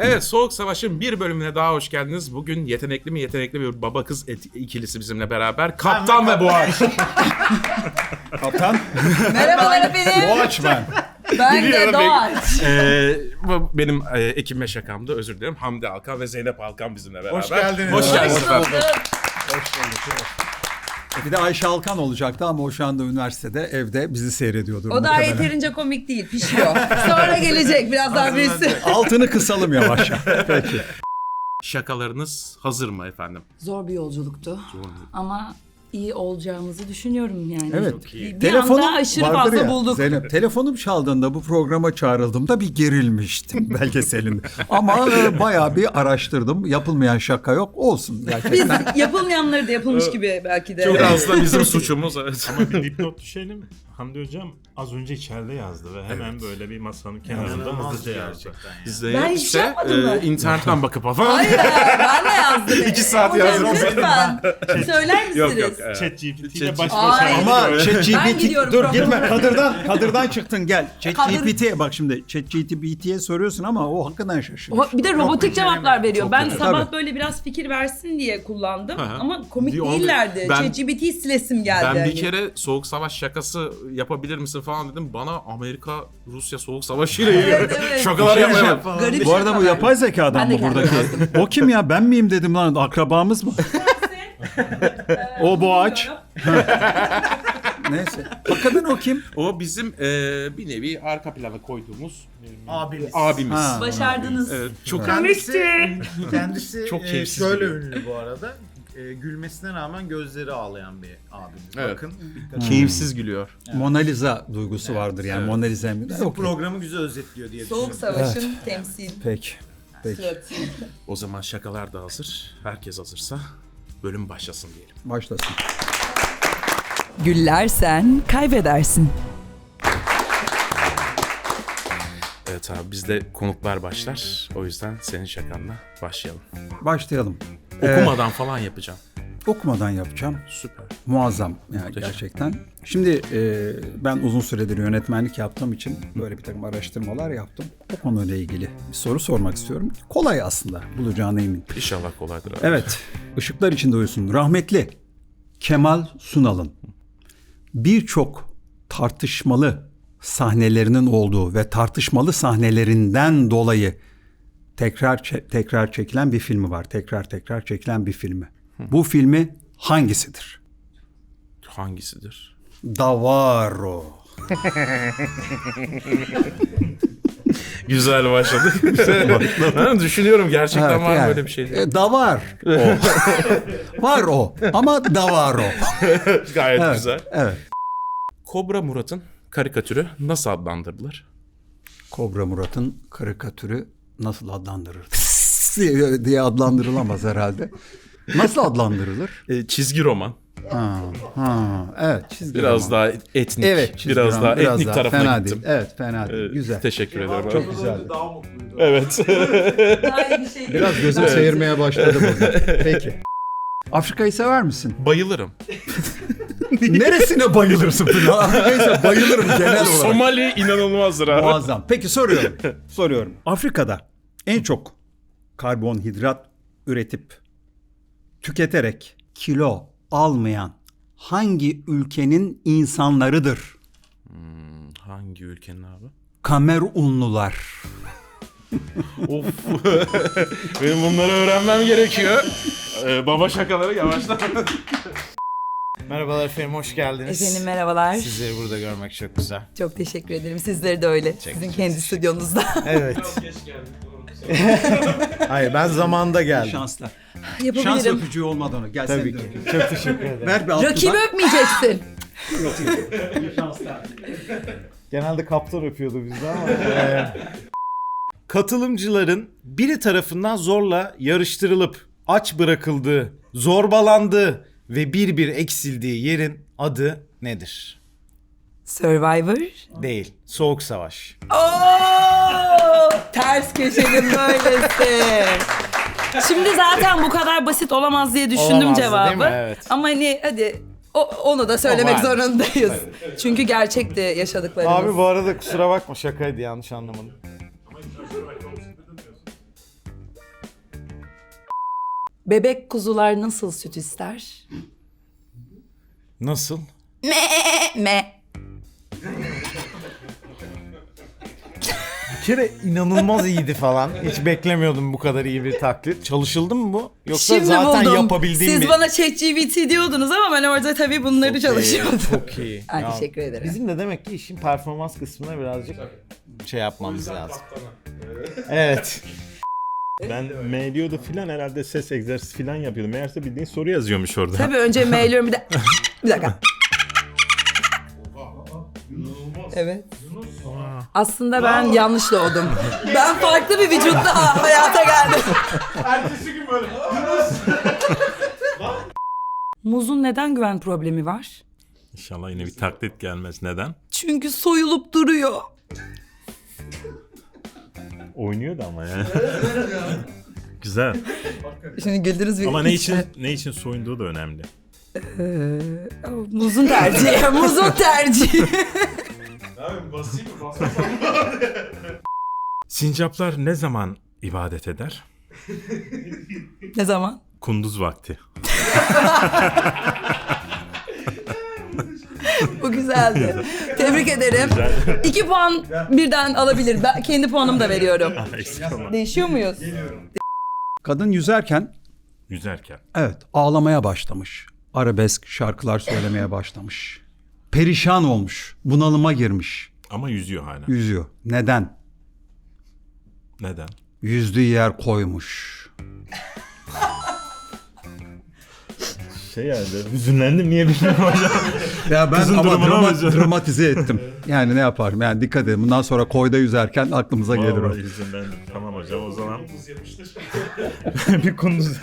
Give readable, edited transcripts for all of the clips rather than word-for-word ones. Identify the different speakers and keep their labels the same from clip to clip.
Speaker 1: Evet, Soğuk Savaş'ın bir bölümüne daha hoş geldiniz. Bugün yetenekli bir baba kız ikilisi bizimle beraber. Kaptan ve Boğaç.
Speaker 2: Kaptan.
Speaker 3: Merhabalar efendim.
Speaker 2: Boğaç ben.
Speaker 3: Ben de Doğaç.
Speaker 1: Bu benim ekip ve şakamdı, özür dilerim. Hamdi Alkan ve Zeynep Alkan bizimle beraber.
Speaker 2: Hoş geldiniz.
Speaker 1: Hoş geldiniz efendim.
Speaker 2: Bir de Ayşe Alkan olacaktı ama o şu anda üniversitede evde bizi seyrediyordur.
Speaker 3: O daha yeterince komik değil, pişiyor. Sonra gelecek biraz daha birisi.
Speaker 2: Altını kısalım yavaşça. Peki.
Speaker 1: Şakalarınız hazır mı efendim?
Speaker 3: Zor bir yolculuktu ama iyi olacağımızı düşünüyorum yani.
Speaker 2: Evet.
Speaker 3: Bir anda aşırı
Speaker 2: vardır
Speaker 3: fazla
Speaker 2: ya,
Speaker 3: bulduk.
Speaker 2: Zeynep, telefonum çaldığında bu programa çağrıldığımda bir gerilmiştim belgeselinde. Ama bayağı bir araştırdım. Yapılmayan şaka yok. Olsun gerçekten.
Speaker 3: Biz yapılmayanları da yapılmış gibi belki de.
Speaker 1: Biraz da bizim suçumuz. Evet.
Speaker 4: Ama bir dipnot düşelim. Hamdi Hocam az önce içeride yazdı ve hemen böyle bir masanın kenarında hızlıca yazdı.
Speaker 1: Zeynep
Speaker 3: hiçbir şey yapmadım mı?
Speaker 1: internetten bakıp falan.
Speaker 3: Hayır, ben de yazdım.
Speaker 1: 2 saat
Speaker 3: Hocam,
Speaker 1: yazdım.
Speaker 3: Lütfen. Söyler misiniz?
Speaker 1: Yok.
Speaker 4: ChatGPT ile baş
Speaker 3: Ay.
Speaker 4: başa.
Speaker 2: Ama
Speaker 3: Ben
Speaker 2: ChatGPT
Speaker 3: gidiyorum
Speaker 2: dur
Speaker 3: programa.
Speaker 2: gitme kadırdan çıktın gel. ChatGPT bak şimdi ChatGPT'ye soruyorsun ama o hakikaten şaşırıyor.
Speaker 3: Bir de robotik cevaplar veriyor. Ben
Speaker 2: kötü.
Speaker 3: sabah
Speaker 2: Tabii.
Speaker 3: böyle biraz fikir versin diye kullandım
Speaker 1: Hı hı.
Speaker 3: ama komik
Speaker 1: Diyor,
Speaker 3: değillerdi.
Speaker 1: ben-
Speaker 3: ChatGPT'yi silesim geldi.
Speaker 1: Ben bir
Speaker 3: hani.
Speaker 1: kere Soğuk Savaş şakası yapabilir misin falan dedim. Bana Amerika-Rusya Soğuk Savaşı ile ilgili
Speaker 3: Evet.
Speaker 1: şakalar yapmaya bak.
Speaker 3: Garip
Speaker 2: Bu arada bu
Speaker 3: şakalar.
Speaker 2: yapay zekadan
Speaker 3: Ben de
Speaker 2: mı buradaki?
Speaker 3: kendim
Speaker 2: O kim ya? Ben miyim dedim lan. Akrabamız mı? O Boğaç. Neyse. Hakikaten o kim?
Speaker 1: O bizim bir nevi arka plana koyduğumuz
Speaker 5: Abimiz.
Speaker 2: Ha.
Speaker 3: Başardınız.
Speaker 1: Evet, çok
Speaker 5: Kendisi
Speaker 1: Çok keyifsiz
Speaker 5: şöyle
Speaker 1: gülüyor.
Speaker 5: ünlü bu arada. Gülmesine rağmen gözleri ağlayan bir abimiz.
Speaker 1: Evet.
Speaker 5: Bakın. dikkat
Speaker 1: keyifsiz gülüyor.
Speaker 2: Mona Lisa duygusu vardır yani.
Speaker 1: Evet.
Speaker 2: Mona Lisa mi?
Speaker 5: Bizim programı güzel özetliyor diye
Speaker 3: Soğuk
Speaker 5: düşünüyorum.
Speaker 3: Savaş'ın temsil.
Speaker 2: Peki. Peki.
Speaker 3: Evet.
Speaker 1: O zaman şakalar da hazır. Herkes hazırsa bölüm başlasın diyelim.
Speaker 2: Başlasın.
Speaker 3: Güllersen kaybedersin.
Speaker 1: Evet abi, bizde konuklar başlar. O yüzden senin şakanla başlayalım.
Speaker 2: Başlayalım.
Speaker 1: Okumadan falan yapacağım.
Speaker 2: Okumadan yapacağım.
Speaker 1: Süper.
Speaker 2: Muazzam yani
Speaker 1: Muhteşem.
Speaker 2: gerçekten. Şimdi ben uzun süredir yönetmenlik yaptığım için böyle bir takım araştırmalar yaptım. O konuyla ilgili bir soru sormak istiyorum. Kolay aslında, bulacağına eminim.
Speaker 1: İnşallah kolaydır abi.
Speaker 2: Evet, ışıklar içinde uyusun. Rahmetli Kemal Sunal'ın birçok tartışmalı sahnelerinin olduğu ve tartışmalı sahnelerinden dolayı tekrar çekilen bir filmi var. Tekrar çekilen bir filmi. Bu filmi hangisidir?
Speaker 1: Hangisidir?
Speaker 2: Davaro.
Speaker 1: Güzel başladı. Ben düşünüyorum gerçekten
Speaker 2: Evet,
Speaker 1: var mı
Speaker 2: yani,
Speaker 1: böyle bir şey diye.
Speaker 2: Davar. O. Var o ama Davaro.
Speaker 1: Gayet
Speaker 2: Evet,
Speaker 1: güzel.
Speaker 2: evet.
Speaker 1: Kobra Murat'ın karikatürü nasıl adlandırılır?
Speaker 2: Kobra Murat'ın karikatürü nasıl adlandırılır? diye adlandırılamaz herhalde. Nasıl adlandırılır?
Speaker 1: Çizgi roman.
Speaker 2: Evet, çizgi
Speaker 1: Biraz
Speaker 2: roman.
Speaker 1: daha etnik.
Speaker 2: Evet, çizgi
Speaker 1: biraz
Speaker 2: roman,
Speaker 1: daha etnik
Speaker 2: daha
Speaker 1: tarafına
Speaker 2: fena
Speaker 1: gittim.
Speaker 2: değil. Evet, fena değil. Güzel.
Speaker 1: Teşekkür ederim.
Speaker 2: Çok
Speaker 1: abi.
Speaker 2: güzel.
Speaker 1: Evet.
Speaker 3: Daha iyi bir şey değil.
Speaker 2: Biraz gözüm seyirmeye başladı burada. Peki. Afrika'yı sever misin?
Speaker 1: Bayılırım.
Speaker 2: Neresine bayılırsın falan? Afrika'yı bayılırım genel olarak.
Speaker 1: Somali inanılmazdır abi.
Speaker 2: Muazzam. Peki soruyorum. Afrika'da en çok karbonhidrat üretip tüketerek kilo almayan hangi ülkenin insanlarıdır?
Speaker 1: Hangi ülkenin abi?
Speaker 2: Kamerunlular.
Speaker 1: Of. Benim bunları öğrenmem gerekiyor. Baba şakaları yavaştan.
Speaker 5: Merhabalar efendim, hoş geldiniz.
Speaker 3: Efendim merhabalar.
Speaker 5: Sizleri burada görmek çok güzel.
Speaker 3: Çok teşekkür ederim. Sizleri de öyle. Sizin kendi stüdyonuzda.
Speaker 5: Evet. Hayır, ben zamanında geldim.
Speaker 2: Şanslar. Şans
Speaker 3: Yapabilirim.
Speaker 2: öpücüğü olmadan o. Gel
Speaker 5: Tabii
Speaker 2: sen de
Speaker 5: ki.
Speaker 2: öpeyim.
Speaker 5: Çok teşekkür ederim.
Speaker 2: Ver bir alt
Speaker 3: Rakibi
Speaker 2: dudak.
Speaker 3: öpmeyeceksin.
Speaker 5: Genelde kaptan öpüyordu bizde ama. Katılımcıların biri tarafından zorla yarıştırılıp aç bırakıldığı, zorbalandığı ve bir eksildiği yerin adı nedir?
Speaker 3: Survivor.
Speaker 5: Değil. Soğuk Savaş.
Speaker 3: Oo, ters köşenin böylesi. Şimdi zaten bu kadar basit olamaz diye düşündüm
Speaker 5: Olamazdı,
Speaker 3: cevabı.
Speaker 5: değil mi? Evet.
Speaker 3: Ama hani hadi onu da söylemek
Speaker 5: var.
Speaker 3: zorundayız. Çünkü gerçekti yaşadıklarımız.
Speaker 5: Abi bu arada kusura bakma, şakaydı, yanlış anlamadım.
Speaker 3: Bebek kuzular nasıl süt ister?
Speaker 5: Nasıl?
Speaker 3: Me.
Speaker 5: Bir kere inanılmaz iyiydi falan. Hiç beklemiyordum bu kadar iyi bir taklit. Çalışıldı mı bu? Yoksa
Speaker 3: Şimdi
Speaker 5: zaten
Speaker 3: buldum.
Speaker 5: yapabildiğim
Speaker 3: Siz
Speaker 5: bir...
Speaker 3: bana ChatGPT diyordunuz ama ben orada tabii bunları çalışıyordum.
Speaker 5: Çok iyi.
Speaker 3: Ay,
Speaker 5: Ya,
Speaker 3: teşekkür ederim.
Speaker 5: Bizim de demek ki işin performans kısmına birazcık şey yapmamız lazım. Evet.
Speaker 4: Ben mailiyordu filan herhalde ses egzersizi filan yapıyordum. Meğerse bildiğin soru yazıyormuş orada.
Speaker 3: Tabii önce mailiyorum bir de... Bir dakika. Evet. Aslında ben yanlış doğdum. Ben farklı bir vücutta hayata geldim.
Speaker 1: Ertesi gün böyle.
Speaker 3: Muzun neden güven problemi var?
Speaker 4: İnşallah yine bir taklit gelmez. Neden?
Speaker 3: Çünkü soyulup duruyor.
Speaker 4: Oynuyordu ama yani. Güzel.
Speaker 3: Şimdi güldünüz mü?
Speaker 4: Ama ne için soyunduğu da önemli.
Speaker 3: Muzun tercihi. Muzun tercihi.
Speaker 1: Abi basayım mı? Basmasam mı?
Speaker 4: Sincaplar ne zaman ibadet eder?
Speaker 3: Ne zaman?
Speaker 4: Kunduz vakti.
Speaker 3: Bu güzeldi. Tebrik ederim. 2 puan birden alabilir. Ben kendi puanımı da veriyorum.
Speaker 4: Eksik olma.
Speaker 3: Değişiyor muyuz?
Speaker 2: Kadın yüzerken
Speaker 4: Yüzerken.
Speaker 2: evet ağlamaya başlamış. Arabesk şarkılar söylemeye başlamış. Perişan olmuş. Bunalıma girmiş.
Speaker 4: Ama yüzüyor hala.
Speaker 2: Yüzüyor. Neden?
Speaker 4: Neden?
Speaker 2: Yüzdüğü yer koymuş.
Speaker 4: Şey yani hüzünlendim niye bilmiyorum hocam.
Speaker 2: Ya ben
Speaker 4: Kızın
Speaker 2: ama
Speaker 4: durumuna mı üzüldün?
Speaker 2: dramatize ettim. Yani ne yaparım? Yani dikkat edin. Bundan sonra koyda yüzerken aklımıza gelir o.
Speaker 4: Vallahi hüzünlendim. Tamam hocam o zaman. Bir kunduz.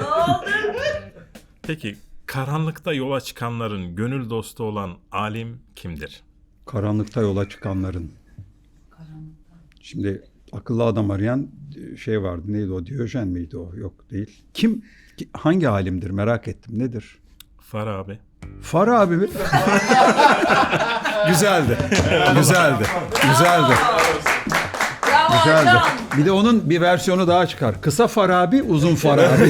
Speaker 4: Peki karanlıkta yola çıkanların gönül dostu olan alim kimdir?
Speaker 2: Karanlıkta yola çıkanların. Şimdi akıllı adam arayan şey vardı. Neydi o? Diyojen miydi o? Yok değil. Hangi alimdir merak ettim. Nedir?
Speaker 4: Farabi.
Speaker 2: Farabi mi? Güzeldi. Güzeldi. Güzeldi.
Speaker 3: Bravo
Speaker 2: Güzeldi.
Speaker 3: hocam.
Speaker 2: Bir de onun bir versiyonu daha çıkar. Kısa Farabi, uzun Farabi.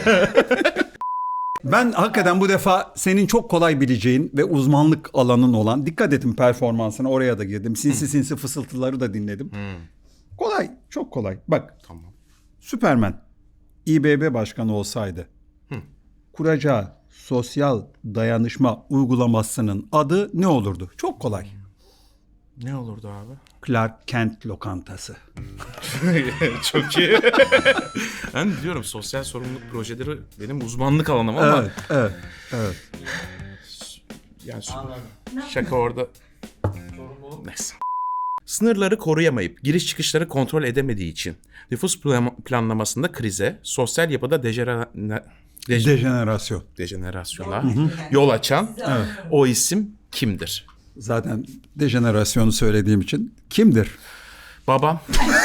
Speaker 2: Ben hakikaten bu defa senin çok kolay bileceğin ve uzmanlık alanın olan, dikkat ettim performansına, oraya da girdim. Sinsi sinsi fısıltıları da dinledim. Kolay, çok kolay. Bak,
Speaker 1: Tamam.
Speaker 2: Süpermen İBB başkanı olsaydı kuracağı sosyal dayanışma uygulamasının adı ne olurdu? Çok kolay.
Speaker 1: Ne olurdu abi?
Speaker 2: Clark Kent lokantası.
Speaker 1: Çok iyi. Ben diyorum sosyal sorumluluk projeleri benim uzmanlık alanım ama
Speaker 2: Evet.
Speaker 1: yani şaka orada. Neyse. Sınırları koruyamayıp giriş çıkışları kontrol edemediği için nüfus planlamasında krize, sosyal yapıda
Speaker 2: Dejenerasyon.
Speaker 1: dejenerasyona yol açan o isim kimdir?
Speaker 2: Zaten dejenerasyonu söylediğim için kimdir?
Speaker 1: Babam.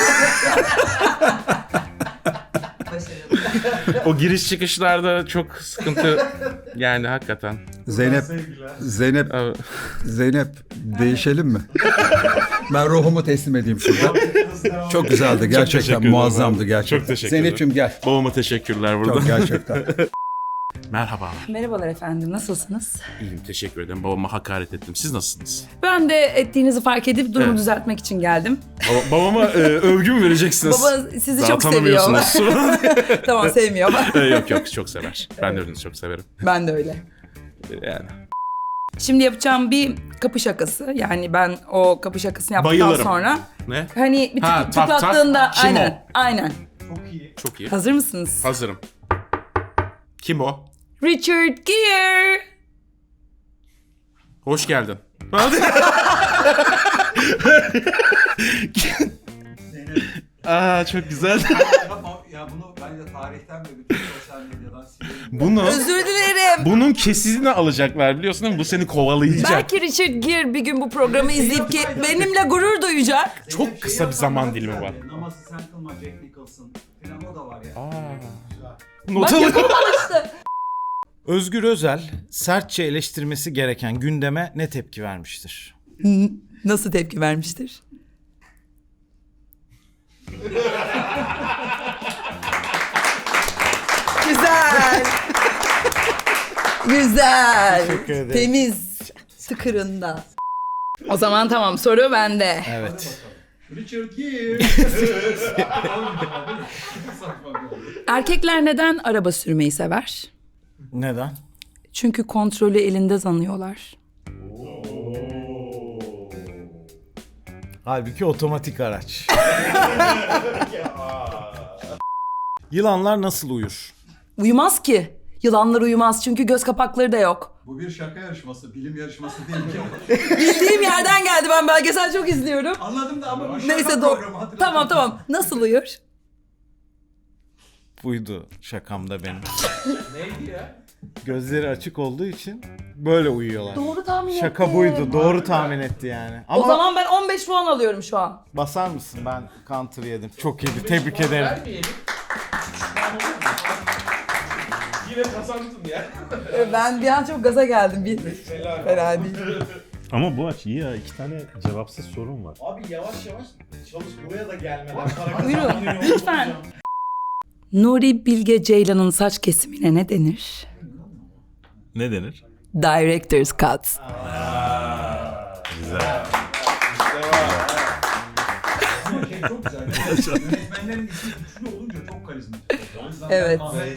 Speaker 1: O giriş çıkışlarda çok sıkıntı yani hakikaten.
Speaker 2: Zeynep değişelim mi? Ben ruhumu teslim edeyim şurada. Çok güzeldi gerçekten,
Speaker 1: teşekkür ederim
Speaker 2: muazzamdı
Speaker 1: abi.
Speaker 2: gerçekten.
Speaker 1: Çok teşekkür ederim.
Speaker 2: Zeynep'ciğim gel.
Speaker 1: Babama teşekkürler burada.
Speaker 2: Çok gerçekten.
Speaker 1: Merhaba.
Speaker 3: Merhabalar efendim, nasılsınız?
Speaker 1: İyiyim, teşekkür ederim. Babama hakaret ettim. Siz nasılsınız?
Speaker 3: Ben de ettiğinizi fark edip durumu
Speaker 1: Evet.
Speaker 3: düzeltmek için geldim.
Speaker 1: Babama övgü mü vereceksiniz?
Speaker 3: Baba sizi
Speaker 1: Daha
Speaker 3: çok seviyor.
Speaker 1: tanımıyorsunuz.
Speaker 3: Tamam, sevmiyor ama
Speaker 1: Yok çok sever. Ben de öylenizi çok severim.
Speaker 3: ben de öyle.
Speaker 1: Yani.
Speaker 3: Şimdi yapacağım bir kapı şakası. Yani ben o kapı şakasını yaptıktan
Speaker 1: Bayılırım.
Speaker 3: sonra
Speaker 1: Ne?
Speaker 3: hani bir
Speaker 1: Ha, tak, tak.
Speaker 3: tıklattığında
Speaker 1: Kim
Speaker 3: aynen. Aynen.
Speaker 1: Çok iyi.
Speaker 3: Hazır mısınız?
Speaker 1: Hazırım. Kim o?
Speaker 3: Richard Gere.
Speaker 1: Hoş geldin. Aa çok güzel.
Speaker 2: Ya bunu bence tarihten ve bütün sosyal medyadan silelim.
Speaker 1: Bunu
Speaker 3: Özür dilerim.
Speaker 1: bunun kesizini alacaklar biliyorsun değil mi? Bu seni kovalayacak.
Speaker 3: Belki Richard Gere bir gün bu programı izleyip ki benimle gurur duyacak.
Speaker 1: Çok kısa bir zaman dilimi var.
Speaker 2: Namazı sen kılma, Jack Nicholson falan o da var ya.
Speaker 1: Not
Speaker 3: Bak
Speaker 1: alın.
Speaker 3: yapamamıştı.
Speaker 5: Özgür Özel sertçe eleştirmesi gereken gündeme ne tepki vermiştir?
Speaker 3: Nasıl tepki vermiştir? Güzel. Güzel.
Speaker 5: Teşekkür ederim.
Speaker 3: Temiz. Tıkırında. O zaman tamam, soru bende.
Speaker 5: Evet.
Speaker 3: Erkekler neden araba sürmeyi sever?
Speaker 5: Neden?
Speaker 3: Çünkü kontrolü elinde sanıyorlar.
Speaker 5: Halbuki otomatik araç. Yılanlar nasıl uyur?
Speaker 3: Uyumaz ki. Yılanlar uyumaz çünkü göz kapakları da yok.
Speaker 2: Bu bir şaka yarışması, bilim yarışması değil ki.
Speaker 3: Bildiğim yerden geldi, ben belgesel çok izliyorum.
Speaker 2: Anladım da ama bu şaka
Speaker 3: Neyse
Speaker 2: programı, hatırlatın.
Speaker 3: tamam. Nasıl uyur?
Speaker 5: Buydu şakamda benim. Neydi ya? Gözleri açık olduğu için böyle uyuyorlar.
Speaker 3: Doğru tahmin ettim.
Speaker 5: Şaka buydu. Doğru tahmin etti yani. Ama
Speaker 3: O zaman ben 15 puan alıyorum şu an.
Speaker 5: basar mısın? Ben counter yedim. Çok iyiydi. Tebrik ederim.
Speaker 1: Yine kazandın ya.
Speaker 3: Ben bir an çok gaza geldim. Fena değil.
Speaker 4: Ama bu aç iyi ya. 2 tane cevapsız sorun var.
Speaker 5: Abi yavaş yavaş çalış. Buraya da gelmeden para
Speaker 3: Buyurun lütfen. Nuri Bilge Ceylan'ın saç kesimine ne denir?
Speaker 4: Ne denir?
Speaker 3: Director's Cut.
Speaker 4: Güzel.
Speaker 2: Çok güzel. Yönetmenlerin ismi güçlü olunca çok karizmatik. O yüzden
Speaker 3: Evet.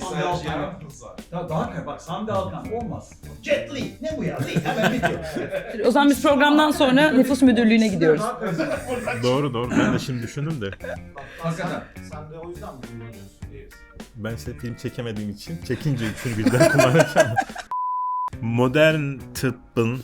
Speaker 2: Daha bak Sami Alkan olmaz. Jet Li ne bu ya? Li hemen bitiyor.
Speaker 3: O zaman biz programdan sonra nüfus müdürlüğüne gidiyoruz.
Speaker 2: Daha karizmatik.
Speaker 4: Doğru. Ben de şimdi düşündüm de.
Speaker 2: Hakikaten.
Speaker 5: Sen de o yüzden mi kullanıyorsun?
Speaker 4: Ben size film çekemediğim için çekince üçünü birden kullanacağım. Modern tıbbın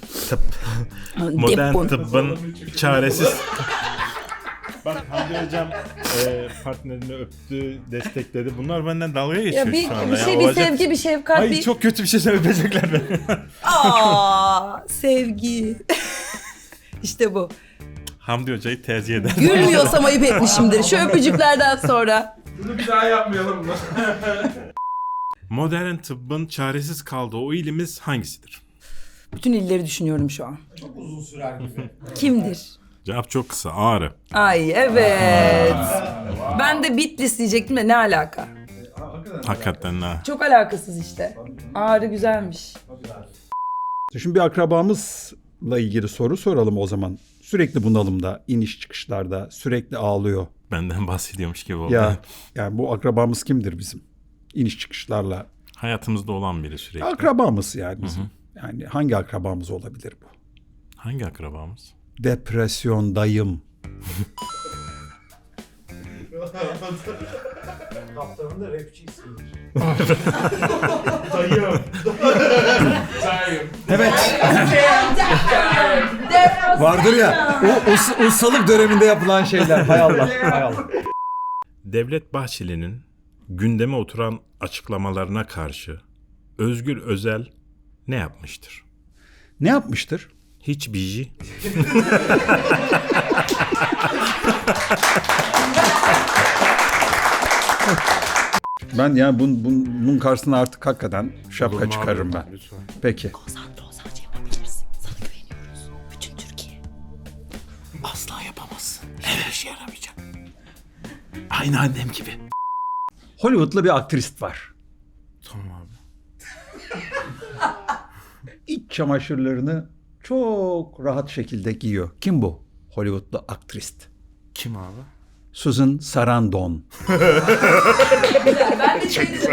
Speaker 4: çaresiz. Bak Hamdi Hocam partnerini öptü, destekledi. Bunlar benden dalga geçiyor
Speaker 3: Ya
Speaker 4: şu anda.
Speaker 3: bir şey, bir
Speaker 4: Olacak-
Speaker 3: sevgi, bir şefkat,
Speaker 4: Ay
Speaker 3: bir...
Speaker 4: çok kötü bir şey öpecekler beni.
Speaker 3: Aa, sevgi. İşte bu.
Speaker 4: Hamdi Hoca'yı tercih eder.
Speaker 3: Gülmüyorsam ayıp etmişimdir. Şu öpücüklerden sonra.
Speaker 1: Bunu bir daha yapmayalım mı?
Speaker 4: Modern tıbbın çaresiz kaldığı o ilimiz hangisidir?
Speaker 3: Bütün illeri düşünüyorum şu an.
Speaker 5: Çok uzun sürer gibi.
Speaker 3: Kimdir?
Speaker 4: Cevap çok kısa. Ağrı.
Speaker 3: Ay evet. Ben de Bitlis diyecektim de ne alaka?
Speaker 4: Hakikaten ha.
Speaker 3: Çok alakasız işte. Ağrı güzelmiş.
Speaker 2: Şimdi bir akrabamızla ilgili soru soralım o zaman. Sürekli bunalımda, iniş çıkışlarda, sürekli ağlıyor.
Speaker 4: Benden bahsediyormuş gibi oldu.
Speaker 2: Ya yani bu akrabamız kimdir bizim? İniş çıkışlarla.
Speaker 4: Hayatımızda olan biri sürekli.
Speaker 2: Akrabamız yani bizim. Yani hangi akrabamız olabilir bu?
Speaker 4: Hangi akrabamız?
Speaker 2: Depresyondayım.
Speaker 5: Kaptanın da rapçi ismidir.
Speaker 2: Evet. Vardır ya o ustalık döneminde yapılan şeyler. Hay Allah. Hay Allah.
Speaker 4: Devlet Bahçeli'nin gündeme oturan açıklamalarına karşı Özgür Özel ne yapmıştır?
Speaker 2: Ne yapmıştır?
Speaker 4: Hiç biji.
Speaker 2: Ben yani bunun karşısına artık hakikaten şapka çıkarırım ben.
Speaker 4: Lütfen.
Speaker 2: Peki.
Speaker 3: Konsantre olsanca yapabilirsin. Sana güveniyoruz. Bütün Türkiye.
Speaker 1: Asla yapamazsın. Hiçbir işe yaramayacak. Aynı annem gibi.
Speaker 2: Hollywood'lu bir aktrist var.
Speaker 4: Tamam abi.
Speaker 2: İç çamaşırlarını çok rahat şekilde giyiyor. Kim bu Hollywood'lu aktrist?
Speaker 4: Kim abi?
Speaker 2: Susan Sarandon.
Speaker 3: Ben de şey dedim.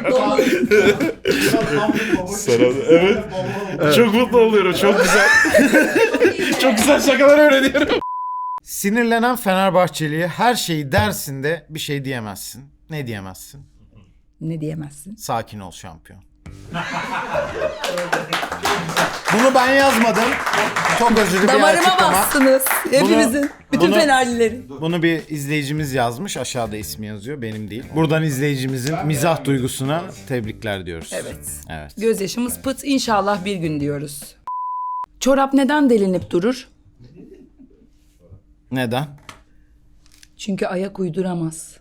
Speaker 1: Evet. Çok mutlu oluyorum. Çok güzel. Çok güzel şakalar öğreniyorum.
Speaker 5: Sinirlenen Fenerbahçeli'ye her şeyi dersin de bir şey diyemezsin. Ne diyemezsin?
Speaker 3: Ne diyemezsin?
Speaker 5: Sakin ol şampiyon. Bunu ben yazmadım. Çok özür bir
Speaker 3: Damarıma
Speaker 5: açıklama.
Speaker 3: bastınız. Hepimizin. Bütün
Speaker 5: bunu-
Speaker 3: Fenerlilerin.
Speaker 5: Bunu bir izleyicimiz yazmış. Aşağıda ismi yazıyor. Benim değil. Buradan izleyicimizin mizah duygusuna tebrikler diyoruz.
Speaker 3: Evet.
Speaker 5: Evet.
Speaker 3: Gözyaşımız pıt, inşallah bir gün diyoruz. Çorap neden delinip durur?
Speaker 5: Neden?
Speaker 3: Çünkü ayak uyduramaz.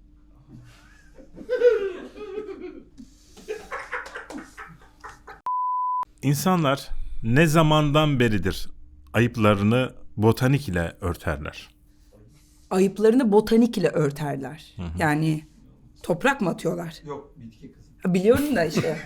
Speaker 4: İnsanlar ne zamandan beridir ayıplarını botanik ile örterler?
Speaker 3: Ayıplarını botanik ile örterler. Yani toprak mı atıyorlar?
Speaker 2: Yok bitki kızım.
Speaker 3: Biliyorum da işte.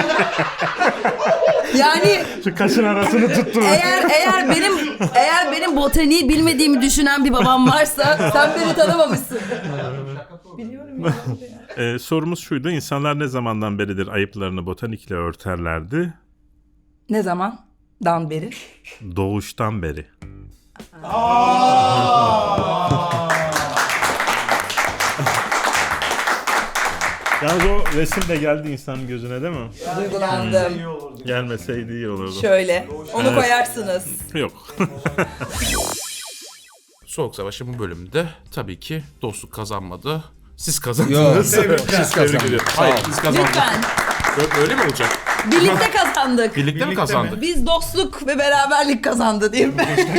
Speaker 3: Yani
Speaker 4: Şu kaşın arasını tuttum.
Speaker 3: eğer benim botaniği bilmediğimi düşünen bir babam varsa sen beni tanımamışsın. Biliyorum ya.
Speaker 4: Sorumuz şuydu. İnsanlar ne zamandan beridir ayıplarını botanikle örterlerdi?
Speaker 3: Ne zamandan beri?
Speaker 4: Doğuştan beri. Yalnız o resim de geldi insanın gözüne değil mi?
Speaker 3: Duygulandım.
Speaker 4: Gelmeseydi iyi olurdu.
Speaker 3: Şöyle. Onu koyarsınız.
Speaker 4: Yok.
Speaker 1: Soğuk Savaş'ın bu bölümünde tabii ki dostluk kazanmadı. Siz kazandınız.
Speaker 2: Yok, siz kazandınız.
Speaker 1: ediyorum. Hayır, siz kazandınız.
Speaker 3: Lütfen.
Speaker 1: Öyle mi olacak?
Speaker 3: Birlikte kazandık.
Speaker 1: Birlikte mi kazandık?
Speaker 3: Biz dostluk ve beraberlik kazandı diyeyim.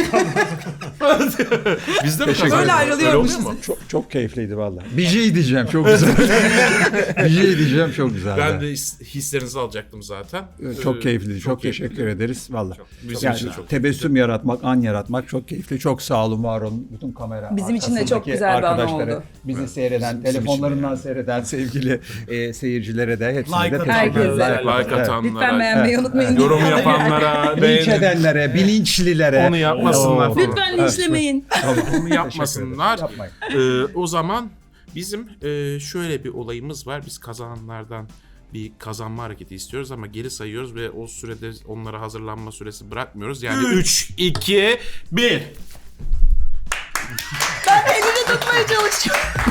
Speaker 1: Biz de mi kazandık?
Speaker 3: Öyle ayrılıyormuşuz.
Speaker 1: oluyor mu?
Speaker 2: Çok keyifliydi valla. Bir şey diyeceğim çok güzel. Bir şey diyeceğim çok güzel.
Speaker 1: Ben de hislerinizi alacaktım zaten.
Speaker 2: Çok keyifliydi. Çok teşekkür ederiz valla.
Speaker 1: Bizim
Speaker 2: Yani
Speaker 1: için de çok
Speaker 2: tebessüm yaratmak, an yaratmak çok keyifli. Çok sağ olun, var olun. Bütün kamera
Speaker 3: Bizim için de çok
Speaker 2: arkasındaki
Speaker 3: güzel bir an
Speaker 2: arkadaşlara,
Speaker 3: oldu.
Speaker 2: bizi seyreden, telefonlarından seyreden sevgili seyircilere de hepsine
Speaker 5: Like
Speaker 2: de
Speaker 5: atan
Speaker 2: teşekkür ederiz.
Speaker 3: herkese.
Speaker 1: Like atanlara,
Speaker 3: Lütfen beğenmeyi unutmayın.
Speaker 1: yorum yapanlara,
Speaker 2: Linç
Speaker 1: beğenip
Speaker 2: edenlere, bilinçlilere.
Speaker 1: onu yapmasınlar falan.
Speaker 3: Lütfen linçlemeyin.
Speaker 1: Onu yapmasınlar.
Speaker 2: Yapmayın.
Speaker 1: O zaman bizim şöyle bir olayımız var. Biz kazananlardan bir kazanma hareketi istiyoruz ama geri sayıyoruz ve o sürede onlara hazırlanma süresi bırakmıyoruz. Yani 3, 2, 1.
Speaker 3: Ben elini tutmaya çalışıyorum.